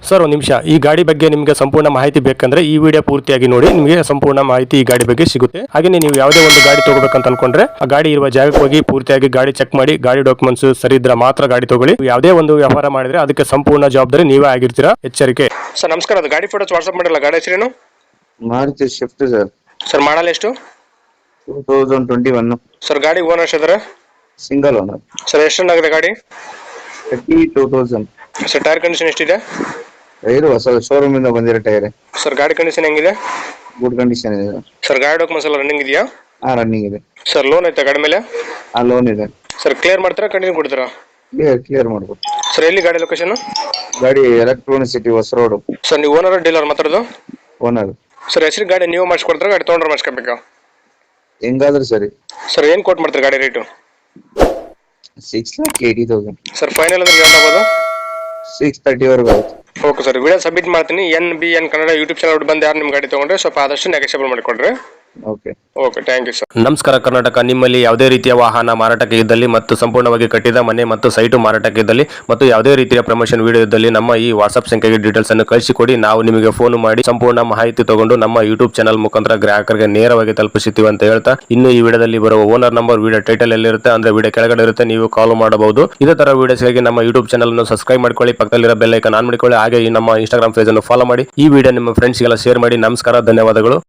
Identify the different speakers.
Speaker 1: Sir ಒಂದು ನಿಮಿಷ, ಈ ಗಾಡಿ ಬಗ್ಗೆ ನಿಮಗೆ ಸಂಪೂರ್ಣ ಮಾಹಿತಿ ಬೇಕಂದ್ರೆ ಈ ವಿಡಿಯೋ ಪೂರ್ತಿಯಾಗಿ ನೋಡಿ, ನಿಮಗೆ ಸಂಪೂರ್ಣ ಮಾಹಿತಿ ಈ ಗಾಡಿ ಬಗ್ಗೆ ಸಿಗುತ್ತೆ. ಹಾಗೆ ನೀವು ಯಾವುದೇ ಒಂದು ಗಾಡಿ ತಗೋಬೇಕಂತ ಅನ್ಕೊಂಡ್ರೆ ಆ ಗಾಡಿ ಇರುವ ಜಾಗಕ್ಕೆ ಹೋಗಿ ಪೂರ್ತಿಯಾಗಿ ಗಾಡಿ ಚೆಕ್ ಮಾಡಿ, ಗಾಡಿ ಡಾಕ್ಯುಮೆಂಟ್ಸ್ ಸರಿ ಇದ್ರೆ ಮಾತ್ರ ಗಾಡಿ ತಗೊಳ್ಳಿ. ಯಾವುದೇ ಒಂದು ವ್ಯವಹಾರ ಮಾಡಿದ್ರೆ ಅದಕ್ಕೆ ಸಂಪೂರ್ಣ ಜವಾಬ್ದಾರಿ ನೀವೇ ಆಗಿರ್ತೀರಾ, ಎಚ್ಚರಿಕೆ. ಸರ್ ನಮಸ್ಕಾರ, ಅದು ಗಾಡಿ ಫೋಟೋಸ್ ವಾಟ್ಸ್ಆಪ್ ಮಾಡಿಲ್ಲ, ಗಾಡಿ ಹೆಸರೇನು?
Speaker 2: Maruti Swift sir.
Speaker 1: Sir model ಎಷ್ಟು?
Speaker 2: 2021
Speaker 1: ಸರ್. ಗಾಡಿ ಓನರ್ ಇದ್ದಾರೆ?
Speaker 2: Single owner
Speaker 1: sir. ಎಷ್ಟು ಆಗಿದೆ ಗಾಡಿ?
Speaker 2: 32,000.
Speaker 1: ಸರ್ ಟೈರ್ ಕಂಡೀಷನ್ ಎಷ್ಟಿದೆ?
Speaker 2: ಟೈರ್ ಹೊಸ ಶೋರೂಮ್ ಇಂದ ಬಂದಿರೋ ಟೈರ್.
Speaker 1: ಸರ್ ಗಾಡಿ ಕಂಡೀಷನ್ ಹೆಂಗಿದೆ?
Speaker 2: ಗುಡ್ ಕಂಡೀಷನ್ ಇದೆ
Speaker 1: ಸರ್. ಗಾಡಿ ಡಾಕ್ಯುಮೆಂಟ್ಸ್ ಎಲ್ಲ ರನ್ನಿಂಗ್ ಇದೆಯಾ?
Speaker 2: ರನ್ನಿಂಗ್ ಇದೆ
Speaker 1: ಸರ್. ಲೋನ್ ಐತಾ ಗಾಡಿ ಮೇಲೆ?
Speaker 2: ಲೋನ್ ಇದೆ
Speaker 1: ಸರ್. ಕ್ಲಿಯರ್ ಮಾಡ್ತೀರಾ, ಕಂಟಿನ್ಯೂ ಕೊಡ್ತೀರಾ?
Speaker 2: ಕ್ಲಿಯರ್ ಮಾಡ್ಬೋದು
Speaker 1: ಸರ್. ಎಲ್ಲಿ ಗಾಡಿ ಲೊಕೇಶನ್?
Speaker 2: ಗಾಡಿ ಎಲೆಕ್ಟ್ರಾನಿಕ್ ಸಿಟಿ ಹೊಸ ರೋಡ್.
Speaker 1: ಸರ್ ನೀವು ಓನರ್ ಡೀಲರ್ ಮಾತಾಡೋದು?
Speaker 2: ಓನರ್.
Speaker 1: ಸರ್ ಹೆಸರು ಗಾಡಿ ನೀವು ಮಾಡಿಸ್ಕೊಡ್ತಾರೆ, ಗಾಡಿ ತೊಗೊಂಡ್ರೆ ಮಾಡಿಸ್ಕೋಬೇಕಾ?
Speaker 2: ಹೆಂಗಾದ್ರೂ ಸರಿ.
Speaker 1: ಸರ್ ಏನು ಕೋಟ್ ಮಾಡ್ತೀರಿ ಗಾಡಿ ರೇಟು?
Speaker 2: 6,80,000.
Speaker 1: ಸರ್ ಫೈನಲ್ ಅಂದ್ರೆ ಏನು ಆಗ್ಬೋದು?
Speaker 2: 630 ವರೆಗೂ ಆಗುತ್ತೆ.
Speaker 1: ಓಕೆ ಸರ್, ವಿಡಿಯೋ ಸಬ್ಮಿಟ್ ಮಾಡ್ತೀನಿ. NBN ಕನ್ನಡ ಯೂಟ್ಯೂಬ್ ಚಾನಲ್ ಬಂದು ಯಾರು ನಿಮ್ಮ ಗಾಡಿ ತೊಗೊಂಡ್ರೆ ಸ್ವಲ್ಪ ಆದಷ್ಟು ನೆಗೆಷಿಯಬಲ್ ಮಾಡಿಕೊಡ್ರಿ.
Speaker 2: Okay
Speaker 1: okay, thank you sir. ನಮಸ್ಕಾರ ಕರ್ನಾಟಕ. ನಿಮ್ಮಲ್ಲಿ ಯಾವುದೇ ರೀತಿಯ ವಾಹನ ಮಾರಾಟಕ್ಕೆ ಇದ್ದಲ್ಲಿ ಮತ್ತು ಸಂಪೂರ್ಣವಾಗಿ ಕಟ್ಟಿದ ಮನೆ ಮತ್ತು ಸೈಟು ಮಾರಾಟಕ್ಕೆ ಇದ್ದಲ್ಲಿ ಮತ್ತು ಯಾವುದೇ ರೀತಿಯ ಪ್ರಮೋಷನ್ ವಿಡಿಯೋ ಇದ್ದಲ್ಲಿ ನಮ್ಮ ಈ ವಾಟ್ಸ್ಆಪ್ ಸಂಖ್ಯೆಗೆ ಡೀಟೇಲ್ಸ್ ಅನ್ನು ಕಳಿಸಿಕೊಡಿ. ನಾವು ನಿಮಗೆ ಫೋನ್ ಮಾಡಿ ಸಂಪೂರ್ಣ ಮಾಹಿತಿ ತಗೊಂಡು ನಮ್ಮ ಯೂಟ್ಯೂಬ್ ಚಾನಲ್ ಮುಖಾಂತರ ಗ್ರಾಹಕರಿಗೆ ನೇರವಾಗಿ ತಲುಪಿಸುತ್ತೀವಿ ಅಂತ ಹೇಳ್ತಾ, ಇನ್ನು ಈ ವಿಡಿಯೋದಲ್ಲಿ ಬರುವ ಓನರ್ ನಂಬರ್ ವಿಡಿಯೋ ಟೈಟಲ್ ಎಲ್ಲಿರುತ್ತೆ ಅಂದ್ರೆ ವಿಡಿಯೋ ಕೆಳಗಡೆ ಇರುತ್ತೆ, ನೀವು ಕಾಲ್ ಮಾಡಬಹುದು. ಇದೇ ತರ ವಿಡಿಯೋಸ್ಗಾಗಿ ನಮ್ಮ ಯೂಟ್ಯೂಬ್ ಚಾನಲ್ ಅನ್ನು ಸಬ್ಸ್ಕ್ರೈಬ್ ಮಾಡ್ಕೊಳ್ಳಿ, ಪಕ್ಕದಲ್ಲಿರೋ ಬೆಲ್ ಐಕಾನ್ ಆನ್ ಮಾಡಿಕೊಳ್ಳಿ. ಹಾಗೆ ಈ ನಮ್ಮ ಇನ್ಸ್ಟಾಗ್ರಾಮ್ ಪೇಜ್ ಅನ್ನು ಫಾಲೋ ಮಾಡಿ. ಈ ವಿಡಿಯೋ ನಿಮ್ಮ ಫ್ರೆಂಡ್ಸ್ಗೆಲ್ಲ ಶೇರ್ ಮಾಡಿ. ನಮಸ್ಕಾರ, ಧನ್ಯವಾದಗಳು.